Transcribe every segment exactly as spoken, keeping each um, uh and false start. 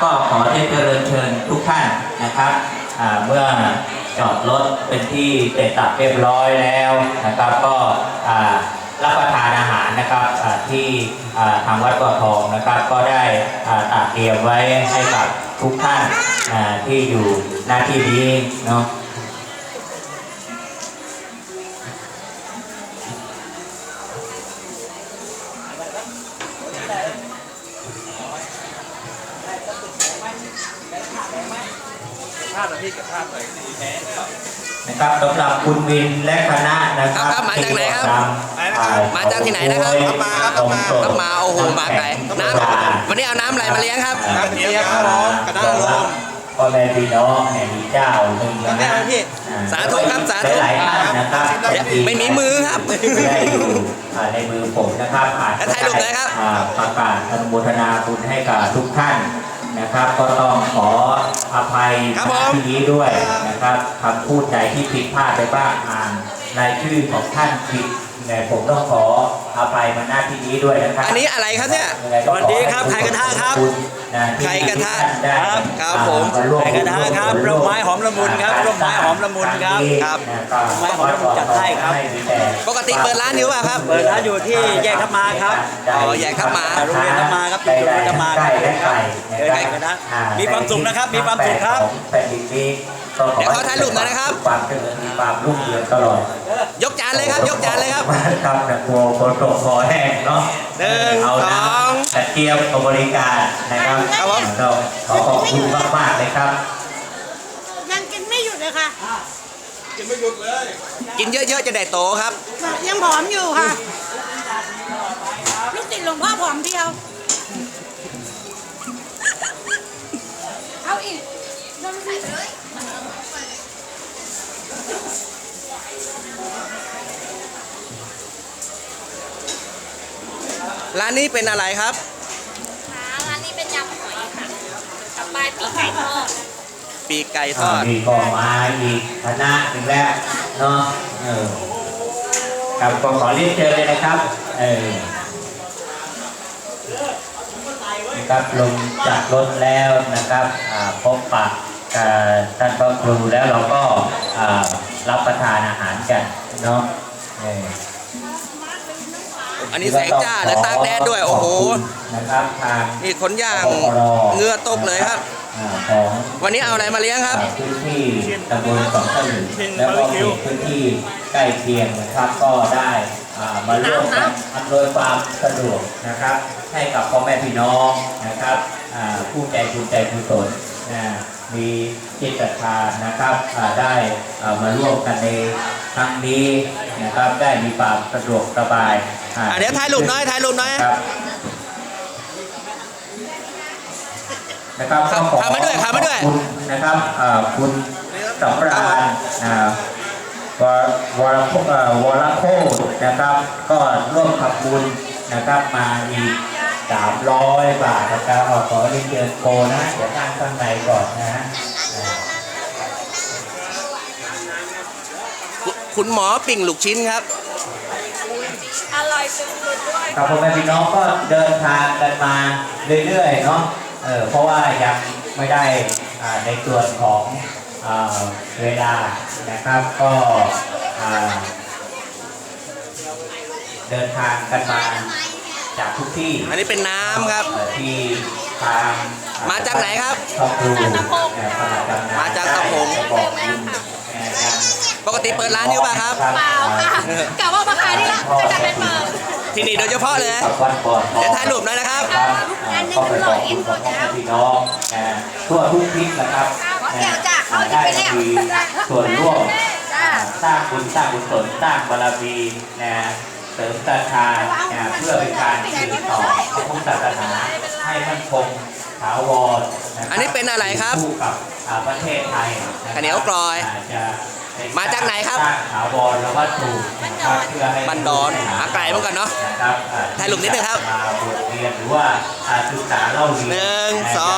ก็ขอได้เชิญเชิญทุกท่านนะครับเมื่อจอดรถเป็นที่เสร็จสับเรียบร้อยแล้วนะครับก็รับประทานอาหารนะครับที่ทางวัดบ่อทองนะครับก็ได้ตัดเตรียมไว้ให้กับทุกท่านที่อยู่หน้าที่นี้เนาะนะครับสำหรับคุณวินและคณะนะครับมาจากไหนครับมาจากที่ไหนนะครับมาครับมามาโอ้โหมาไกลน้ำวันนี้เอาน้ำอะไรมาเลี้ยงครับน้ำเลี้ยงครับกระด้างลมพ่อแม่พี่น้องเนี่ยมีเจ้าหนึ่งนะสาธุครับสาธุหลายท่านนะครับไม่มีมือครับได้อยู่ในมือผมนะครับแล้วถ่ายรูปเลยครับประกาศอนุโมทนาบุญให้กับทุกท่านนะครับก็ต้องขออภัยที่นี้ด้วยนะครับคำพูดใดที่ผิดพลาดไปบ้างอ่านรายชื่อของท่านผิดแต่ผมต้องขออภัยมาหน้าที่นี้ด้วยนะครับอันนี้อะไรครับเนี่ยสวัสดีครับไข่กระทะครับไข่กระทะครับครับผมไข่กระทะครับร่มไม้หอมละมุนครับร่มไม้หอมละมุนครับครับร่มไม้หอมละมุนจัดให้ครับปกติเปิดร้านอยู่ป่ะครับเปิดร้านอยู่ที่แยกทับมาครับอ๋อแยกทับมาโรงเรียนทับมาครับจุดโรงเรียนทับมาครับเจอไข่กระทะมีความสุขนะครับมีความสุขครับเดี๋ยวเขาถ่ายรูปหน่อยนะครับความเจริญมีความรุ่งเรืองตลอดยกจานเลยครับยกจานเลยครับครับแต่กลัวคนตกคอแห้งเนาะหนึ่งสองแต่เตรียมบริการนะครับครับผมขอขอบคุณมากๆเลยครับยังกินไม่หยุดเลยค่ะกินไม่หยุดเลยกินเยอะๆจะได้โตครับยังผอมอยู่ค่ะลูกติดหลวงพ่อผอมเดียวเอาอีกน้ำใส่เลยร้านนี้เป็นอะไรครับร้านนี้เป็นยำหอยค่ะกับปลาปีกไก่ทอดปีกไก่ทอดมีก็มาอีกคณะหนึ่งแล้วเนาะเออครับก็ขอเรียนเชิญเลยนะครับเออนะครับลงจากรถแล้วนะครับพบปะท่านพระครูแล้วเราก็รับประทานอาหารกันเนาะอันนี้แสงจ้าและตากแดดด้วยโอ้โหนะครับทางนี่ขนย่างเงือตกเลยครับวันนี้เอาอะไรมาเลี้ยงครับพื้นที่ตำบลสองตะลึงแล้วก็พื้นที่ใกล้เคียงนะครับก็ได้มาร่วมกันอำนวยความสะดวกนะครับให้กับพ่อแม่พี่น้องนะครับผู้ใจบุญใจกุศลมีจิตศรัทธานะครับได้มาร่วมกันในครั้งนี้นะครับได้มีความสะดวกสบายเดี๋ยวถ่ายรูปน้อยถ่ายรูปน้อยนะครับขอขอบคุณนะครับคุณสำราญววรโควรโคนะครับก็ร่วมขับบุญนะครับมาอีกสามร้อยบาทนะครับขอเรียนเชิญโกนะเดี๋ยวนั่งข้างในก่อนนะฮะคุณหมอปิ่งลูกชิ้นครับอร่อยสุดๆด้วยครับพ่อแม่พี่น้องก็เดินทางกันมาเรื่อยๆเนาะเออเพราะว่ายังไม่ได้ในส่วนของเวลานะครับก็เดินทางกันมาจากทุกที่อันนี้เป็นน้ำครับที่ทางมาจากไหนครับมาจากตะพงปกติเปิดร้านอยู่ป่ะครับเปล่าค่ะกะว่ามาขายนี่ละก็จะเป็นเปิดที่นี่โดยเฉพาะเลยเดี๋ยวถ่ายรูปหน่อยนะครับอันนี้คือหล่ออินโฟเจ้าพี่น้องทั่วทุกทิศนะครับได้มีส่วนร่วมสร้างบุญสร้างกุศลสร้างบารมีนะเสริมศรัทธาเพื่อเป็นการสืบต่อพระพุทธศาสนาให้มั่นคงถาวรอันนี้เป็นอะไรครับคู่กับประเทศไทยข้าวเหนียวกรอยมาจากไหนครับถาวรและวัตถุบันดอนอาไก่เหมือนกันเนาะถ่ายรูปนิดนึงครับมาบทเรียนหรือว่าศึกษาเล่าเรียนหนึ่งสอง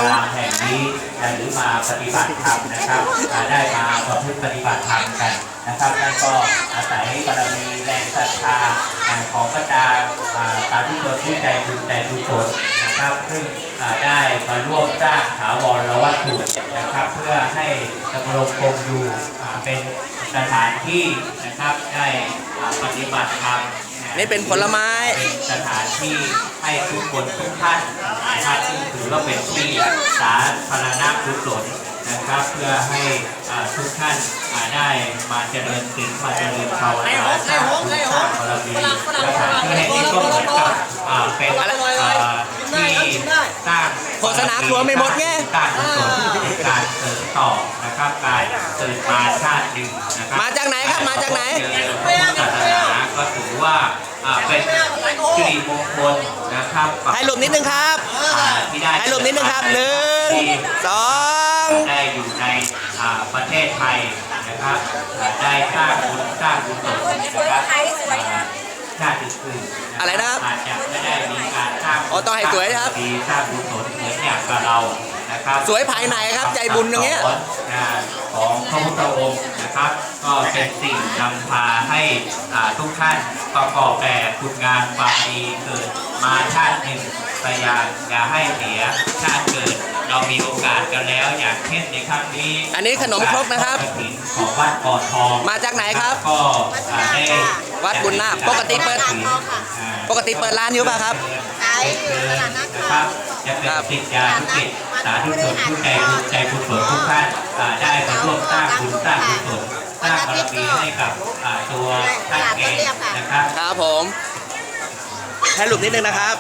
รามแห่งนี้หรือมาปฏิบัติธรรมนะครับได้มาประพฤติปฏิบัติธรรมกันนะครับนั่นก็อาศัยบารมีแรงศรัทธาของพระดาตาทุชนผู้ใจบุญใจกุศลนะครับซึ่งได้มาร่วมสร้างถาวรวัตถุนะครับเพื่อให้ดำรงคงอยู่เป็นสถานที่นะครับได้ปฏิบัติธรรมนี่เป็นผลไม้เป็นสถานที่ให้ทุกคนทุกท่านนะครับซึ่งถือว่าเป็นที่สาธารณกุศลนะครับเพื่อให้ทุกท่านได้มาเจริญศีลมาเจริญภาวนาสร้างบุญสร้างบารมีสถานที่แห่งนี้ก็เหมือนกับเป็นที่สร้างโฆษณาครัวไม่หมดไงการกุศลในการเสริมต่อนะครับการเกิดมาชาติหนึ่งนะครับมาจากไหนครับมาจากไหนพุทธศาสนาก็ถือว่าเป็นสิริมงคลนะครับให้รูปนิดนึงครับให้รูปนิดนึงครับหนึ่งสองได้อยู่ในประเทศไทยนะครับได้สร้างบุญสร้างกุศลนะครับชาติอื่นอะไรนะครับอาจจะไม่ได้มีการสร้างอ๋อต้องให้สวยครับมีสร้างกุศลเหมือนอย่างกับเรานะครับสวยภายในครับใจบุญอย่างเงี้ยของพระพุทธองค์นะครับก็เป็นสิ่งนำพาให้ทุกท่านประกอบแต่คุณงานความดีเกิดมาชาติหนึ่งพยายามอย่าให้เสียชาติเกิดเรามีโอกาสกันแล้วอย่างเช่นในครั้งนี้อันนี้ขนมครกนะครับของวัดก่อทองมาจากไหนครับก็ได้วัดบุญนาคปกติเปิดปกติเปิดร้านอยู่ป่ะครับขายตลาดนัดครับจะเป็นติดยาทุกิจสาธุชนผู้ใจบุญใจกุศลทุกท่านได้มาร่วมสร้างบุญสร้างกุศลสร้างบารมีให้กับตัวท่านเองนะครับครับผมให้รูปนิดนึงนะครับ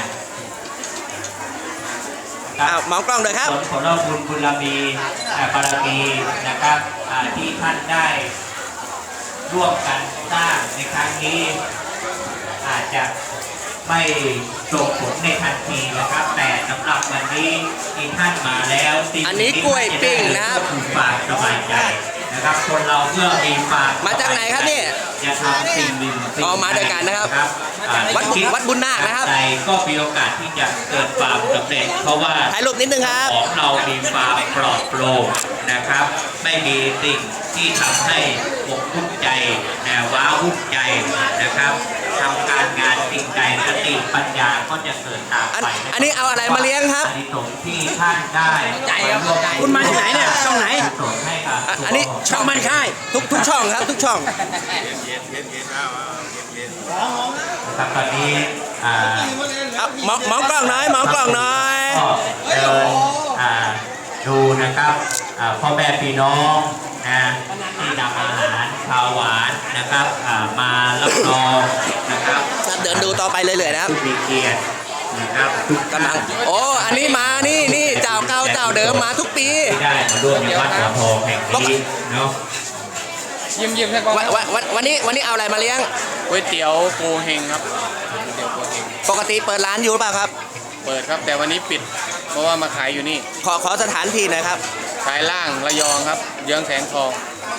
มองกล้องเลยครับผลของเราบุญบุญมีบารมีนะครับที่ท่านได้ร่วมกันสร้างในครั้งนี้อาจจะไม่ส่งผลในทันทีนะครับแต่สำหรับวันนี้ที่ท่านมาแล้วอันนี้กล้วยปิ้งนะครับฝากสบายใจนะครับคนเราเพื่อมีฝากมาจากไหนครับเนี่ยจะทำสิ่งหนึ่งอ๋อมาด้วยกันนะครับวัดวัดบุญนาคนะครับใจก็มีโอกาสที่จะเกิดความสำเร็จเพราะว่าถ่ายรูปนิดนึงครับของเรามีความปลอดโปร่งนะครับไม่มีสิ่งที่ทำให้ปกทุกข์ใจแต่ว้าวุ่นใจนะครับทำการงานสิ่งใดสติปัญญาก็จะเกิดตามไปอันนี้เอาอะไรมาเลี้ยงครับอันนี้สงที่ท่านได้คุณมาที่ไหนเนี่ยช่องไหนอันนี้ช่องมันค่ายทุกทุกช่องครับทุกช่องครับตอนนี้มองมองกล้องน้อยมองกล้องน้อยเดินดูนะครับพ่อแม่พี่น้องนะที่นำอาหารข้าวหวานนะครับมารับรองนะครับเดินดูต่อไปเรื่อยๆนะครับมีเกียรตินะครับกำลังโอ้อันนี้มานี่นี่เจ้าเก่าเจ้าเดิมมาทุกปีได้มาร่วมในวัดหัวทองแห่งนี้เนาะยิ้มยิ้มให้ก่อนวันวันนี้วันนี้เอาอะไรมาเลี้ยงก๋วยเตี๋ยวโกเฮงครับปกติเปิดร้านอยู่หรือเปล่าครับเปิดครับแต่วันนี้ปิดเพราะว่ามาขายอยู่นี่ขอขอสถานที่หน่อยครับขายล่างระยองครับเยื้องแสงทอง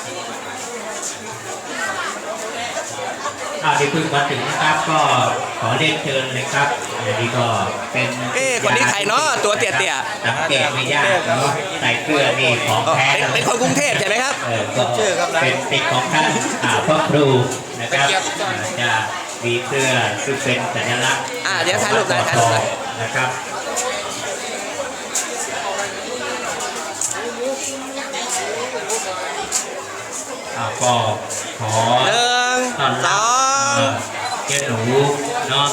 อาที่เพิ่งมาถึงนะครับก็ขอเรียนเชิญเลยครับอันนี้ก็เป็นเอ้คนนี้ใครเนาะตัวเตี้ยๆสังเกตไม่ยากเนาะใส่เกลือนี่ของแท้เป็นคนกรุงเทพใช่ไหมครับก็เป็นติดของท่านพ่อครูนะครับจะมีเสื้อซึ่งเป็นสัญลักษณ์อ่าเดี๋ยวถ่ายรูปเลยถ่ายรูปเลยนะครับก็ขอหนึ่งสองเจ้าหนูเนาะ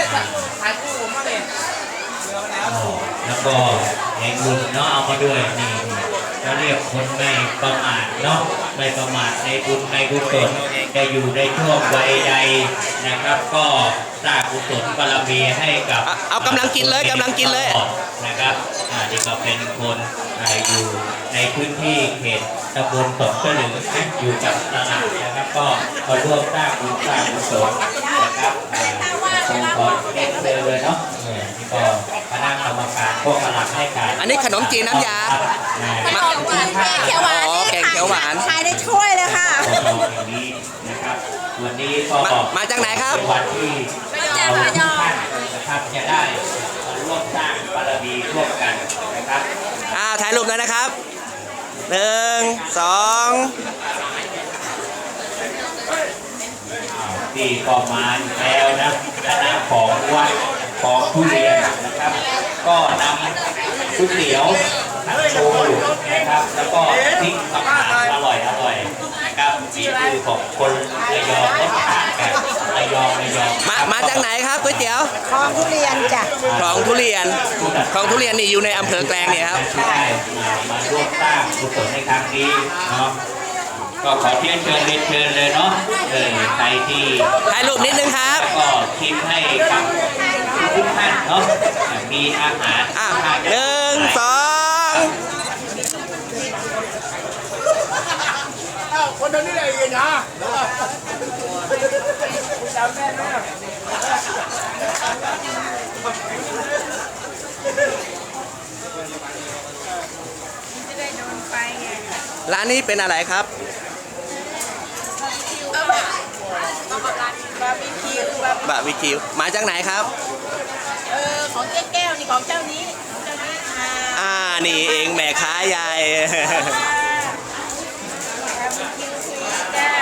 แล้วก็แห่งบุญเนาะเอามาด้วยนี่เราเรียกคนไม่ประมาทเนาะไม่ประมาทในบุญในกุศลจะอยู่ในช่วงวัยใดนะครับก็สร้างกุศลบารมีให้กับเอากำลังกินเลยกำลังกินเลยนะครับนี่ก็เป็นคนอยู่ในพื้นที่เขตตำบลสองเสลึงอยู่กับตลาดนะครับก็มาร่วมสร้างบุญสร้างกุศลนะครับตรงก่อนเด็กเลยเนาะนี่ก็คณะกรรมการพวกกำลังให้การอันนี้ขนมจีนน้ำยามาแกงเขียวหวานแกงเขียวหวานขายได้ช่วยเลยค่ะนะครับวันนี้ก็มาจากไหนครับวันที่เราทุกท่านนะครับจะได้ร่วมสร้างบารมีร่วมกันนะครับายรูปหน่อยนะครับหนึ่งสองที่ก็มาอีกแล้วนะคณะของวัดของทุเรียนนะครับ ก็นำก๋วยเตี๋ยวโชว์นะครับแล้วก็พริกมะขามอร่อยอร่อยนะครับมีชื่อของคนระยองรสชาติแบบระยองระยองมามาจากไหนครับก๋วยเตี๋ยวคลองทุเรียนจ้ะคลองทุเรียนคลองทุเรียนนี่อยู่ในอำเภอแกลงเนี่ยครับที่ได้มาร่วมสร้างกุศลในครั้งนี้เนาะก็ขอเชิญเชิญเรียนเชิญเลยเนาะเออใครที่ถ่ายรูปนิดนึงครับก็คิดให้กับทุกท่านเนาะมีอาหารอ่ะหนึ่งสองร้านนี้เป็นอะไรครับบาร์บีคิวบาร์บีบะวิคิวมาจากไหนครับเออของเจ๊แก้วนี่ของเจ้านี้ของเจ้านี้อ่าอ่านี่เองแม่ค้าใหญ่บาร์บีคิวฟรีจ้า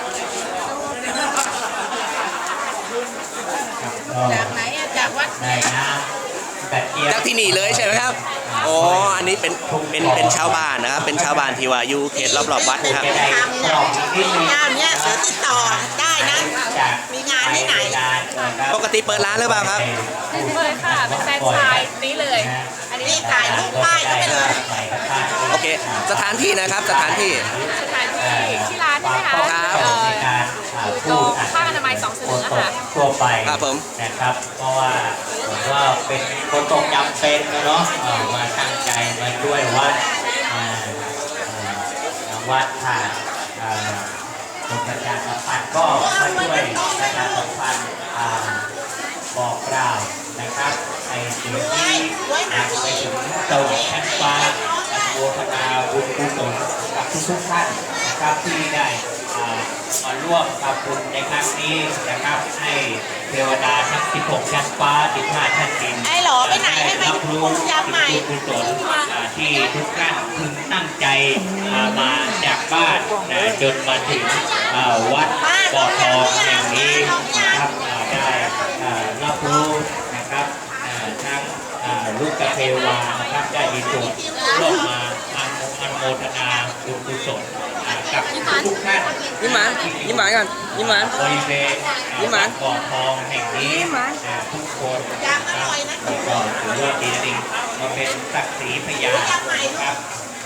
จากไหนอะจากวัดไหนได้นะกระเจี๊ยบจากที่นี่เลยใช่ไหมครับอ๋ออันนี้เป็นเป็นเป็นชาวบ้านนะครับเป็นชาวบ้านที่ว่าอยู่เขตรอบๆวัดนะครับจะได้กรอบนิดนึงเจ้าเนี้ยเสือติดต่อได้นะ มีงานที่ไหนปกติเปิดร้านหรือเปล่าครับเปิดค่ะ เป็นแฟรนไชส์นี้เลย อันนี้นี่ถ่ายรูปป้ายก็ไปเลยโอเค สถานที่นะครับสถานที่สถานที่ที่ร้านใช่ไหมคะครับเอ่ออยู่ตรงข้างอนามัยสองเสนอค่ะทั่วไปครับผมนะครับ เพราะว่าผมว่าเป็นคนตกจำเป็นนะเนาะเอ่อมาตั้งใจมาช่วยวัดอ่าเอ่อวัดค่ะอ่าคนประชาสัมพันธ์ก็มาช่วยประชาสัมพันธ์อ่าบอกกล่าวนะครับในสิ่งที่อยากไปถึงเจ้าชั้นฟ้าอนุโมทนาบุญกุศลกับทุกๆท่านนะครับที่ได้อ่ามาร่วมทำบุญในครั้งนี้นะครับให้เทวดาทั้งสิบหกชั้นฟ้าสิบห้าชั้นดินไอ้หลอไปไหนไม่ไปรับรู้ยำใหม่บุญกุศลอ่าที่ทุกท่านพึงตั้งใจอ่ามาจากบ้านนะจนมาถึงอ่าวัดบ่อทองแห่งนี้นะครับอ่าได้อ่ารับรู้นะครับอ่าทั้งอ่าลูกกเทวานะครับได้มีส่วนร่วมมาอนุอนุโมทนาบุญกุศลอ่ากับทุกท่านยิ้มหวานยิ้มหวานกันยิ้มหวานบริเวณยิ้มหวานบ่อทองแห่งนี้อ่าทุกคนนะครับก็ถือว่าดีจริงมาเป็นศักดิ์ศรีพยานนะครับ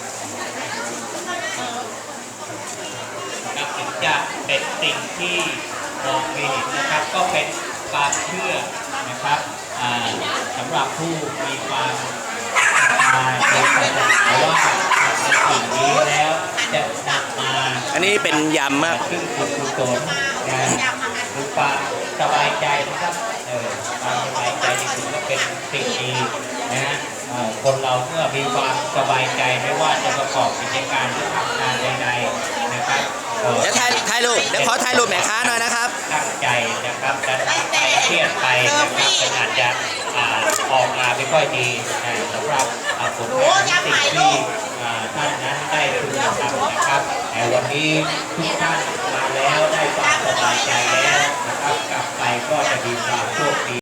นับถึงจะเป็นสิ่งที่มองไม่เห็นนะครับ ก็เป็นความเชื่อนะครับอ่าสำหรับผู้มีความอ่าในศาสนาว่าในสิ่งนี้แล้วจะนำมาอันนี้เป็นยำครับซึ่งบุญกุศลนะคือความสบายใจนะครับเออความสบายใจนี่ถือว่าเป็นสิ่งดีนะฮะเอ่อคนเราเมื่อมีความสบายใจไม่ว่าจะประกอบกิจการหรือทำงานใดๆนะครับเอ่อเดี๋ยวถ่ายถ่ายรูปเดี๋ยวขอถ่ายรูปแม่ค้าหน่อยนะครับตั้งใจนะครับแต่ถ้าไปเครียดไปนะครับมันอาจจะอ่าออกมาไม่ค่อยดีนะสำหรับอ่าผลงานสิ่งที่อ่าท่านนั้นได้พึงทำนะครับแต่วันนี้ทุกท่านมาแล้วได้ความสบายใจแล้วนะครับกลับไปก็จะมีความโชคดี